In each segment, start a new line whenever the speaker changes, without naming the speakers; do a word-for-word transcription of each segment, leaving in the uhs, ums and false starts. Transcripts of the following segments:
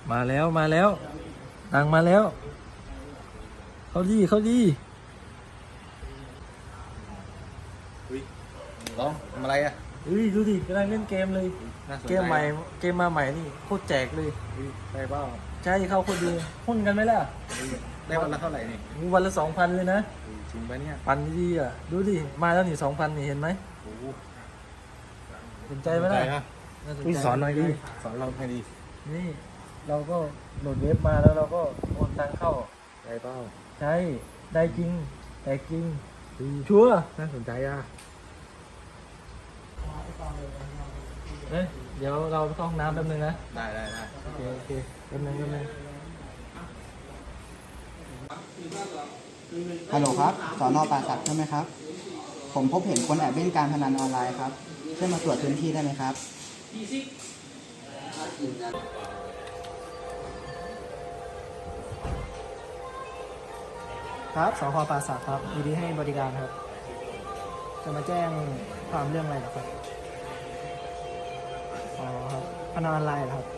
มาแล้วมาแล้วตังมาแล้วเขาดีเขาดี
ร้องทำอะไรอ่ะ
เฮ้ยดูดิกำลังเล่นเกมเลยเกมใหม่เกมมาใหม่นี่โคตรแจกเลย
ใช่เปล่า
ใช่เข้าโคตรดีหุ้นกันไหมล่ะ
ได้วันละเท่าไหร่นี่
วันละสองพันเลยนะ
จริงปะเนี่ย
ปันดีอ่ะดูดิมาแล้วนี่สองพันนี่เห็นไหมสนใจไหมล่ะ
สอนหน่อยดิสอนเราให้ดี
นี่เราก็โหลดเว็บมาแล้วเราก็โอนตังเข้า
ได้เปล่า
ใช่ได้จริงแต่จริงชัวร์
น่าสนใจอ่ะ
เอ้ยเดี๋ยวเราเข้าห้องน้ำแป๊บนึงนะ
ได้ได้ได้
โอเคโอเคแป๊บนึงแป๊บนึง
ฮัลโหลครับสน.ป่าสักใช่ไหมครับผมพบเห็นคนแอบเล่นการพนันออนไลน์ครับช่วยมาตรวจพื้นที่ได้ไหมครับ
ครับสพ.ป่าสักครับยินดีให้บริการครับจะมาแจ้งความเรื่องอะไรหรอครับอ๋อครับพนันออนไลน์เหรอครับ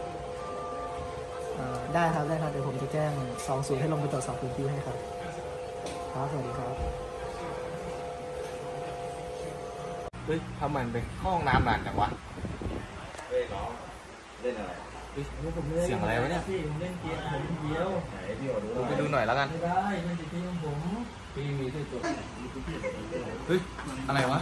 ได้ครับได้ครับเดี๋ยวผมจะแจ้งสองศูนย์ให้ลงไปตรวจสอบพื้นที่ให้ครับครับสวัสดีครับ
เฮ้ยทำไมไปห้องน้ำนานจังวะเฮ้ยน้องเล่นอะไรเสียงอะไรวะเนี่ย
พี่ผมเล่นเกมผมเดียว
ไหนพี่ขอดูหน่อยไปดูหน่อยแล้วกัน
ไม่ได้มันจะพี่ของผม
พี่มีที่ตัวเฮ้ยอะไรวะ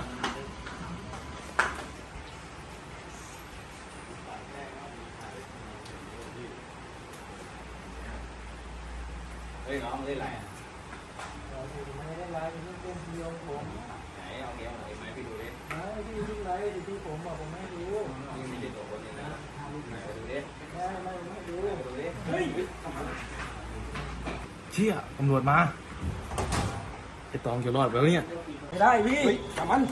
เฮ้ยน้องเล่นอะไรอ่ะ
ไม่ได้ไลน์เป็นเกมเดียวผม
ไหนเอาเกมไหนไหมพี่ดูดิ
ไม่พี่ทุกไลน์ที่ผมบอกผมไม่รู้
นี่มีตัวคนนี้นะไหนไปดูดิ
ไม่ไม่ไม่ดู
ดูดิเฮ้ยเชี่ยตำรวจมาไอ้ตองจะรอดแล้วเนี่ย
ไม่ได้พี่
จับมัน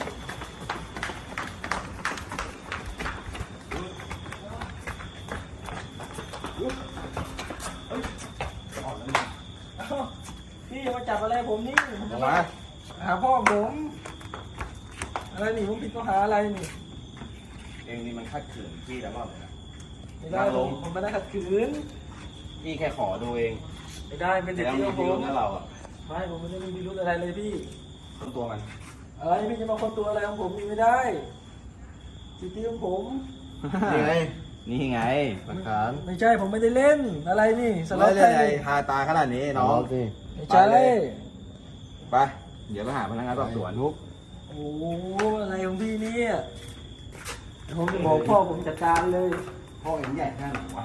พี่จะมาจับอะไรผมนี่
มา
หาพ่อผมอะไรนี่ผมผิดข้อหาอะไรนี่
เองนี่มันขัดขืนพี่แล้วก็
ไม่ได้ผมไม่ได้ขัดขืน
พี่แค่ขอดูเอง
ไม่ได้เป็นเด็กที่ผม
นั่นเราอ่ะ
ไม่ผมไม่ได้มีพิรุธอะไรเลยพี่
คนตัวมัน
อะไรพี่จะมาคนตัวอะไรของผมนี่ไม่ได้สิทธิของผม
นี่ไงนี่ไงหลักฐาน
ไม่ใช่ผมไม่ได้เล่นอะไรนี่
สล็อตไทยทาตาขนาดนี้น้อง
ไม่ใช่
ไปเดี๋ยวไปหาพนักงานสอบสวนทุก
โอ้อะไรของพี่เนี่ยผมจะบอกพ่อผมจัดการเลย
พ่อเห็นใหญ่แค่ไหนวะ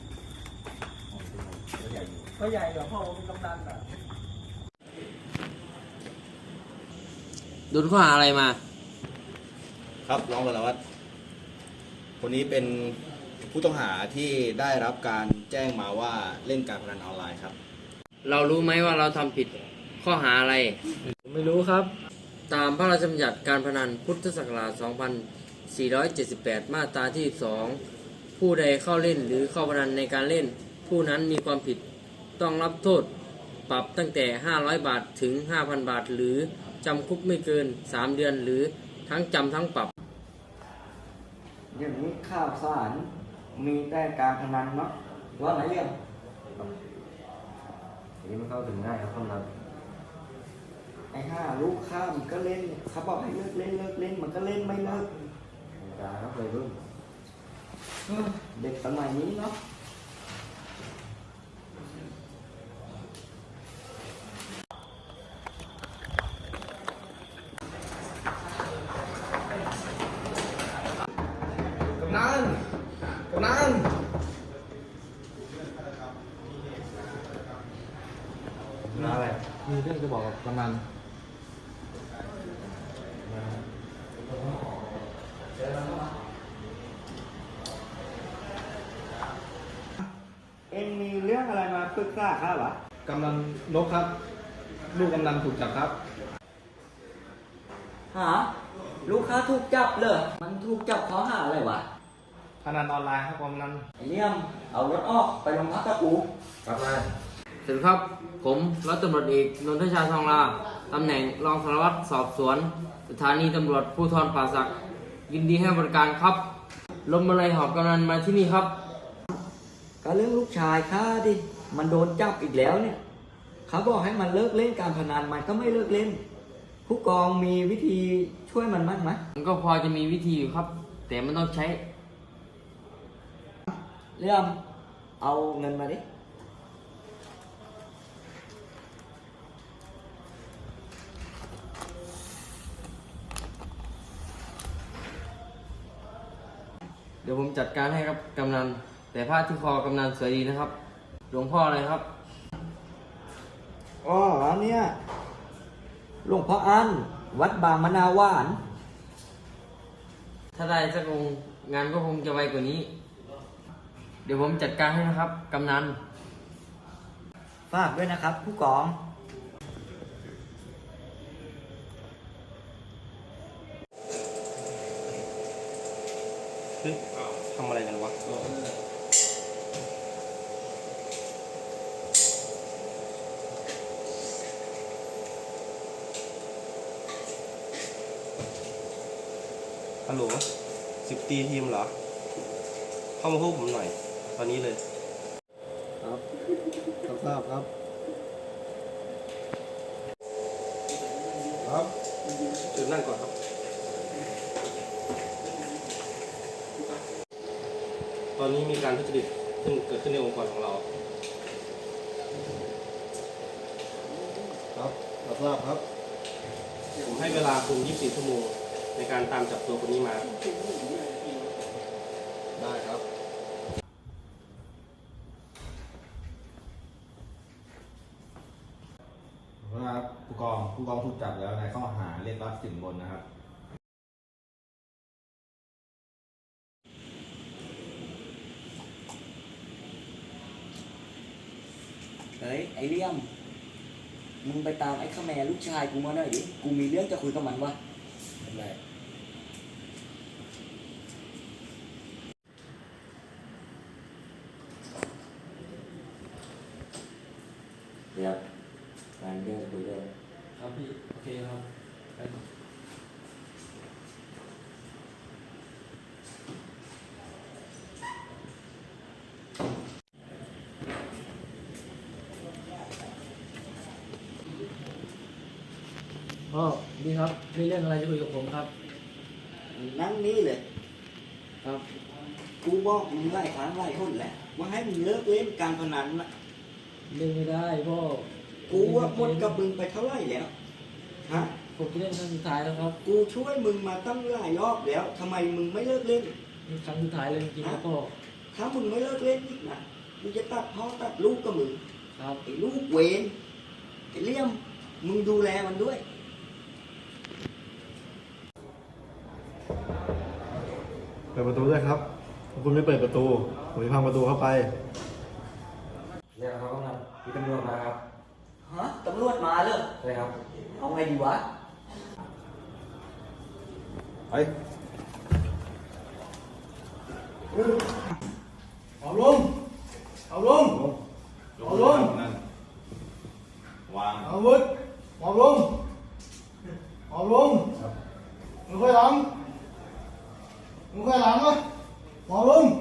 ก็ใหญ่กว่าพ่อผมเป็นกำนันอ่ะ
โดนข้อหาอะไรมา
ครับรองสารวัตรคนนี้เป็นผู้ต้องหาที่ได้รับการแจ้งมาว่าเล่นการพนันออนไลน์ครับ
เรารู้ไหมว่าเราทำผิดข้อหาอะไร
ไม่รู้ครับ
ตามพระราชบัญญัติการพนันพุทธศักราชสองพันสี่ร้อยเจ็ดสิบแปดมาตราที่สองผู้ใดเข้าเล่นหรือเข้าพนันในการเล่นผู้นั้นมีความผิดต้องรับโทษปรับตั้งแต่ห้าร้อยบาทถึง ห้าพัน บาทหรือจำคุกไม่เกินสามเดือนหรือทั้งจำทั้งปรับ
อย่างนี้ข่าวสารมีแต่การพนันเนาะว่าไหนเรื่อง
อันนี้มันเข้าถึงง่ายครับพนัน
ไอ้ห้าลูกข้ามก็เล่นเขาบอกให้เลิกเล่นเลิกเล่นมันก็เล่นไม่เลิก
จ้าครับเลยรุ่น
เด็กสมัยนี้เนาะ
กำนันกำนันอะไรมีเรื่องจะบอกกับกำนัน
เอ็งมีเรื่องอะไรมาปรึกษาข้าวะ
กำนันนกครับลูกกำนันถูกจับครับ
หาลูกค้าถูกจับเลยมันถูกจับข้อหาอะไรวะ
พนันออนไลน์ครับกำนัน
ไอ้เลี่ยมเอารถออกไปโรงพักกับกู
ครับนาย
สวัสดีครับผมร้อยตำรวจเอกนนทชาทองลาตำแหน่งรองสารวัตรสอบสวนสถานีตำรวจภูธรป่าสักยินดีให้บริการครับลมอะไรหอบกำนันมาที่นี่ครับ
ก็เรื่องลูกชายข้าดิ มันโดนจับอีกแล้วเนี่ย เขาบอกให้มันเลิกเล่นการพนันมันก็ไม่เลิกเล่น ผู้กองมีวิธีช่วยมันบ้างไหม
มันก็พอจะมีวิธีอยู่ครับ แต่มันต้องใช้
เรื่องเอาเงินมาดิ
เดี๋ยวผมจัดการให้ครับกำนัน แต่ผ้าที่คอกำนันสวยดีนะครับ หลวงพ่ออะไรครับ
อ๋อเนี่ยหลวงพ่ออันวัดบางมะนาวหวาน
ถ้าได้สักองค์งานก็คงจะไวกว่านี้ เดี๋ยวผมจัดการให้นะครับกำนัน
ฝากด้วยนะครับ ผู้กอง
เฮ้ยทำอะไรกันวะ
ฮัลโหลสิบตีทีมเหรอ เข้ามาพบผมหน่อย ตอนนี้เลย
ครับรับทราบครับ
ครับจุดนั่งก่อนครับ ตอนนี้มีการทุจริตขึ้นเกิดขึ้นในองค์กรของเรา
ครับรับทราบครับ
ผมให้เวลาคุณยี่สิบสี่ชั่วโมงในการตามจับตัวคนนี้มา
ได้ครับ ครับผู้กองผู้กองถูกจับแล้วในข้อหาเรียกรับสินบนนะครับ
เฮ้ย ไอเลี่ยม มึงไปตามไอ้ข้าแม่ลูกชายกูมาหน่อยดิ กูมีเรื่องจะคุยกับมันวะอะไรเดี๋ยวงานเรื่องคุยด้วย
ครับพี่ โอเคครับ พ่อดีครับ มีเรื่องอะไรจะคุยกับผมครับ
นั่งนี่เลย
ครับ
กูบอกมึงหลายครั้งหลายคนแหละ ว่าให้มึงเลิกเล่นการพนันนะ
เล่นไม่ได้พ่อ
กูว่าหมดกับมึงไปเท่าไหร่แล้ว ฮะ
ผมจะเล่นครั้งสุดท้ายแล้วครับ
กูช่วยมึงมาตั้งหลายรอบแล้วทำไมมึงไม่เลิกเล่น
นี่ครั้งสุดท้ายเลยจริงๆครับพ่อ
ถ้ามึงไม่เลิกเล่นอีกนะกูจะตัดพ่อตัดลูกกับมึง
ครับ
ไอ้ลูกเวรไอ้เลี่ยม มึงดูแลมันด้วย
เปิดประตูด้วยครับถ้าคุณไม่เปิดประตู ผมจะพังประตูเข้าไป
เรียกเขากำลังมีตำรวจมาครับ
ฮะ ตำรวจมาเลย
ใช่ครับ
เอาไงดีวะ
ไป
เอาลง เอาลง เอาลง
นั่นวาง
เอาวุธเอาลง เอาลงมึงค่อยหลังมึงค่อยหลังวะเอาลง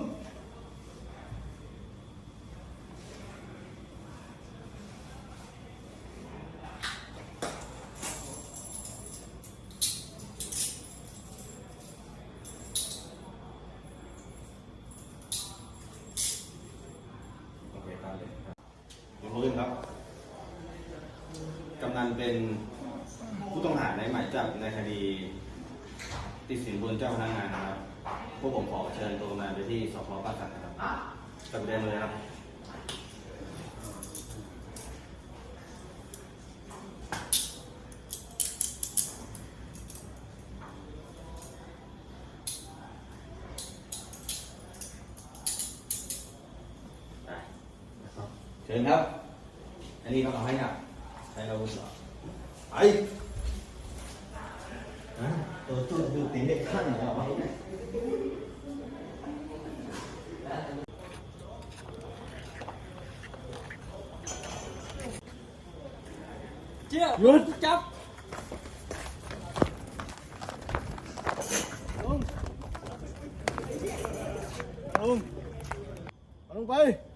โอเคตามเลยครับเดี๋ยวพื้นครับ กำนันเป็นผู้ต้องหาในหมายจับในคดีติดสินบนเจ้าพนักงานนะครับ พวกผมขอเชิญตัวกำนันไปที่สพป่าสักนะครับกลับไปได้เลยครับ เชิญครับ อันนี้ต้องเอาให้หนักใช้อาวุธเหรอไปอ่ะตัวตัวดูตีเด็กขั้นเหรอวะ
เจ้าหยุดจับ
ลง เอาลงไป